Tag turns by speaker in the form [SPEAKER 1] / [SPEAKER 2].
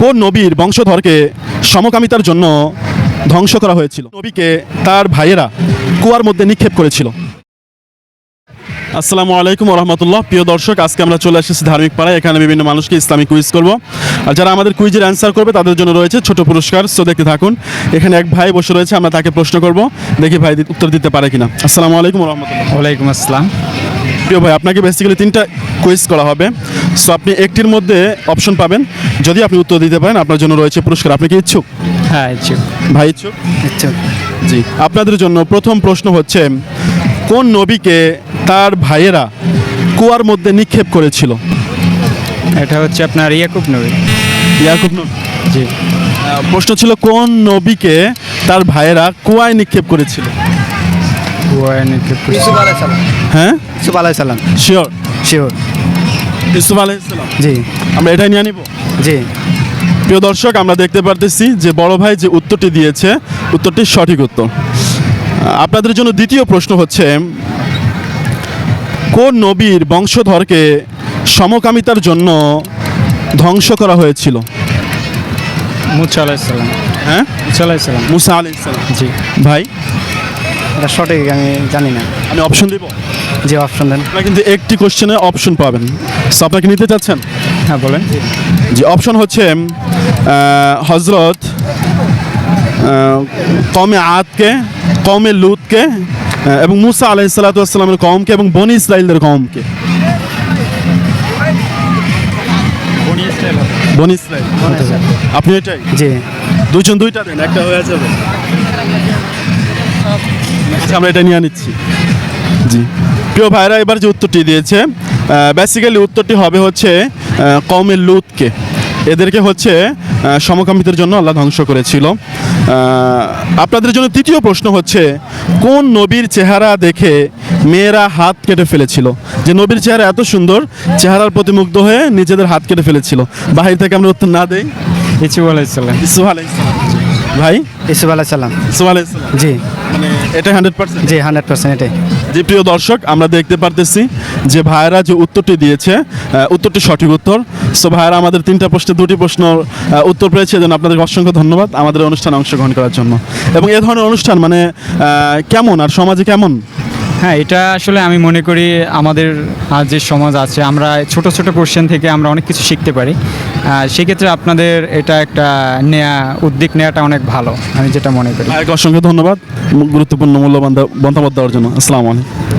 [SPEAKER 1] কোন নবীর বংশধরকে সমকামিতার জন্য ধ্বংস করা হয়েছিল? নবীকে তার ভাইয়েরা কুয়ার মধ্যে নিক্ষেপ করেছিল। আসসালামু আলাইকুম রহমতুল্লাহ। প্রিয় দর্শক, আজকে আমরা চলে এসেছি ধার্মিক পাড়ায়। এখানে বিভিন্ন মানুষকে ইসলামিক কুইজ করব, আর যারা আমাদের কুইজের অ্যান্সার করবে তাদের জন্য রয়েছে ছোট পুরস্কার। সো দেখতে থাকুন। এখানে এক ভাই বসে রয়েছে, আমরা তাকে প্রশ্ন করব, দেখি ভাই উত্তর দিতে পারে কিনা। আসসালামু আলাইকুম রহমতুল্লাহ।
[SPEAKER 2] ওয়ালাইকুম আসসালাম।
[SPEAKER 1] প্রিয় ভাই, আপনাকে বেসিক্যালি 3টা কুইজ করা হবে। সো আপনি একটির মধ্যে অপশন পাবেন, যদি আপনি উত্তর দিতে পারেন আপনার জন্য রয়েছে পুরস্কার। আপনি কি ইচ্ছুক?
[SPEAKER 2] হ্যাঁ, ইচ্ছুক।
[SPEAKER 1] ভাই ইচ্ছুক?
[SPEAKER 2] ইচ্ছুক।
[SPEAKER 1] জি, আপনাদের জন্য প্রথম প্রশ্ন হচ্ছে, কোন নবীকে তার ভাইয়েরা কুয়ার মধ্যে নিক্ষেপ করেছিল?
[SPEAKER 2] এটা হচ্ছে আপনার ইয়াকুব নবী।
[SPEAKER 1] ইয়াকুব নবী।
[SPEAKER 2] জি।
[SPEAKER 1] প্রশ্ন ছিল কোন নবীকে তার ভাইয়েরা কুয়ায় নিক্ষেপ করেছিল?
[SPEAKER 3] ইউসুফ আলাইহিস সালাম।
[SPEAKER 1] হ্যাঁ,
[SPEAKER 3] ইউসুফ আলাইহিস সালাম।
[SPEAKER 1] শিওর?
[SPEAKER 3] শিওর।
[SPEAKER 1] ইউসুফ আলাইহিস সালাম।
[SPEAKER 3] জি
[SPEAKER 1] আমরা এটাই নিয়ে নিব।
[SPEAKER 3] জি।
[SPEAKER 1] প্রিয় দর্শক, আমরা দেখতে পারতেছি যে বড় ভাই যে উত্তরটি দিয়েছে, উত্তরটি সঠিক উত্তর। আপনাদের জন্য দ্বিতীয় প্রশ্ন হচ্ছে, কোন নবীর বংশধরকে সমকামিতার জন্য ধ্বংস করা হয়েছিল?
[SPEAKER 2] মুসা আলাইহিস সালাম।
[SPEAKER 1] হ্যাঁ,
[SPEAKER 2] মুসা আলাইহিস সালাম।
[SPEAKER 1] মুসা আলাইহিস সালাম।
[SPEAKER 2] জি।
[SPEAKER 1] ভাই,
[SPEAKER 3] এটা সঠিক আমি জানি না।
[SPEAKER 1] আমি অপশন দিব।
[SPEAKER 3] যে অপশন দেন।
[SPEAKER 1] আপনারা কিন্তু একটি কোশ্চেনে অপশন পাবেন। সো আপনাকে নিতে চাচ্ছেন?
[SPEAKER 2] হ্যাঁ, বলেন।
[SPEAKER 1] যে অপশন হচ্ছে হজরত কওমে আদকে, কওমে লুতকে, এবং মুসা আলাইহিস সালাতু ওয়াস সালামের কওমকে, এবং বনি ইসরাইলদের কওমকে। বনি ইসরাইল। আপনি এটাই?
[SPEAKER 3] জি।
[SPEAKER 1] দুজন দুইটা দেন, একটা হয়ে যাবে। আচ্ছা, আমরা এটা নিয়ে নিচ্ছি। জি, প্রিয় ভাইরা, এবার যে উত্তরটি দিয়েছে, বেসিক্যালি উত্তরটি হবে হচ্ছে কওমে লুতকে। এদেরকে হচ্ছে সমকামিতার জন্য আল্লাহ ধ্বংস করেছিল। আপনাদের জন্য তৃতীয় প্রশ্ন হচ্ছে, কোন নবীর চেহারা দেখে মেয়েরা হাত কেটে ফেলেছিল? যে নবীর চেহারা এত সুন্দর, চেহারার প্রতি মুগ্ধ হয়ে নিজেদের হাত কেটে ফেলেছিল। বাহির থেকে আমরা উত্তর না দেই।
[SPEAKER 2] ইউসুফ আলাইহিস সালাম।
[SPEAKER 1] ইউসুফ আলাইহিস সালাম। ভাই,
[SPEAKER 3] ইউসুফ আলাইহিস সালাম।
[SPEAKER 1] ইউসুফ আলাইহিস সালাম।
[SPEAKER 3] জি
[SPEAKER 1] মানে এটা 100%?
[SPEAKER 3] জি 100% এটাই।
[SPEAKER 1] যে প্রিয় দর্শক, আমরা দেখতে পারতেছি যে ভাইয়েরা যে উত্তরটি দিয়েছে, উত্তরটি সঠিক উত্তর। সো ভাইয়েরা আমাদের 3টা প্রশ্নে 2টি প্রশ্ন উত্তর পেয়েছে, এজন্য আপনাদের অসংখ্য ধন্যবাদ আমাদের অনুষ্ঠানে অংশগ্রহণ করার জন্য। এবং এ ধরনের অনুষ্ঠান মানে কেমন, আর সমাজে কেমন?
[SPEAKER 2] হ্যাঁ, এটা আসলে আমি মনে করি আমাদের যে সমাজ আছে, আমরা ছোট ছোট কোশ্চেন থেকে আমরা অনেক কিছু শিখতে পারি। সেক্ষেত্রে আপনাদের এটা একটা উদ্যোগ নেওয়াটা অনেক ভালো, আমি যেটা মনে করি।
[SPEAKER 1] অসংখ্য ধন্যবাদ গুরুত্বপূর্ণ মূল্যবান মতামত দেওয়ার জন্য। আসসালামু আলাইকুম।